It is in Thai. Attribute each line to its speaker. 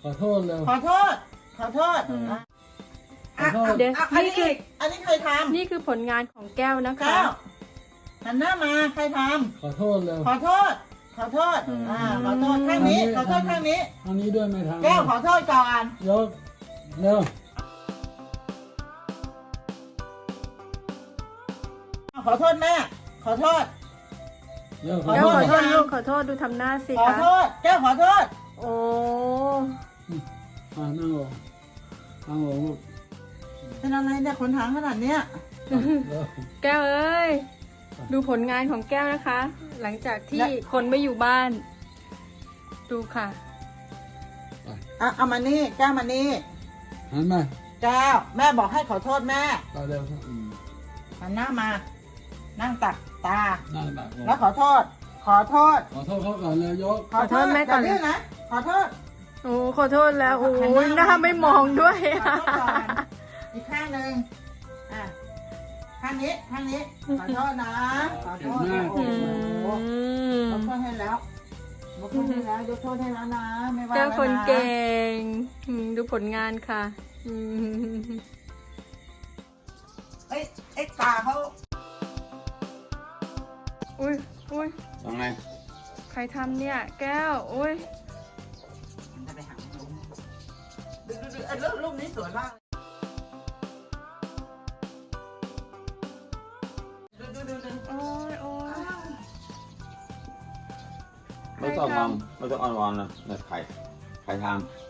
Speaker 1: ขอโทษเร็ว
Speaker 2: ขอโทษ ขอโทษ
Speaker 1: ขอโทษ
Speaker 3: เดี๋ยว
Speaker 2: อัน
Speaker 3: นี่
Speaker 2: นี้
Speaker 3: คือ
Speaker 2: อันนี้ใครท
Speaker 3: นี่คือผลงานของแก้วนะ
Speaker 2: ำ
Speaker 3: คะ
Speaker 2: แก้วหันหน้ามาใครท
Speaker 1: ขอโทษเร็ว
Speaker 2: ำขอโทษ ขอโทษขอโทษข้างนี้ ขอโทษข้างนี้
Speaker 1: อันนี้ด้วยไม่ทำ
Speaker 2: แก้วขอโทษก่อน
Speaker 1: ยกเร็ว
Speaker 2: ขอโทษแม่ ขอโทษ
Speaker 1: เร็ว
Speaker 2: ขอ
Speaker 3: แก้ว
Speaker 2: โทษ
Speaker 3: ขอโทษ
Speaker 2: ยัง
Speaker 3: ลูกขอโทษดูทำหน้าสิ
Speaker 2: ขอ
Speaker 3: คะ
Speaker 2: โทษ แก้วขอโทษ
Speaker 3: โอ้
Speaker 1: นั่งลงนั่งลงลูก
Speaker 2: เป็นอะไรเนี่ยขนหางขนาดเนี้ย
Speaker 1: เร็ว
Speaker 3: แก้วเอ้ยดูผลงานของแก้วนะคะ หลังจากที่คนไม่อยู่บ้าน ดูค่ะ
Speaker 2: เอามานี่ แก้วมานี่
Speaker 1: หันมา
Speaker 2: แก้ว แม่บอกให้ขอโทษแม่
Speaker 1: ต่อเร็วครับ
Speaker 2: หันหน้ามา นั่งตักตา
Speaker 1: นั่งแบบ
Speaker 2: แล้วขอโทษ ขอโทษ
Speaker 1: ขอโทษเขาก่อนเลยยก
Speaker 3: ขอโทษแม่ก่อน
Speaker 2: ย่าดื้นะ ขอโทษ
Speaker 3: โอ้ขอโทษแล้วโอ้ยหน้าไม่มองด้วย
Speaker 2: ขอโทษก่อนอีกข้างหนึ่งอ่ะข้างนี้ ข้างนี้ ขอโทษนะ ขอโทษนะโอ้
Speaker 3: อื
Speaker 2: โห
Speaker 3: ม
Speaker 2: ยกโทษให้แล้วยกโทษให้แล้วยกโทษให้แล้วนะ ไม่ว่า
Speaker 3: แก้ว
Speaker 2: แล้ว
Speaker 3: คน
Speaker 2: นะ
Speaker 3: เก่งดูผลงานค่ะอืม
Speaker 2: ไอ้ตาเขา
Speaker 3: อุ้ยอุ้ย
Speaker 1: ยังไง
Speaker 3: ใครทำเนี่ย แก้วอุ้ย
Speaker 2: จะไปหาลุงดูไอ้รูปนี้สวยมากดู
Speaker 3: โอ้ยโอ้ย
Speaker 4: ไม่ต้องงอมไม่ต้องอ่อนๆนะใครทำ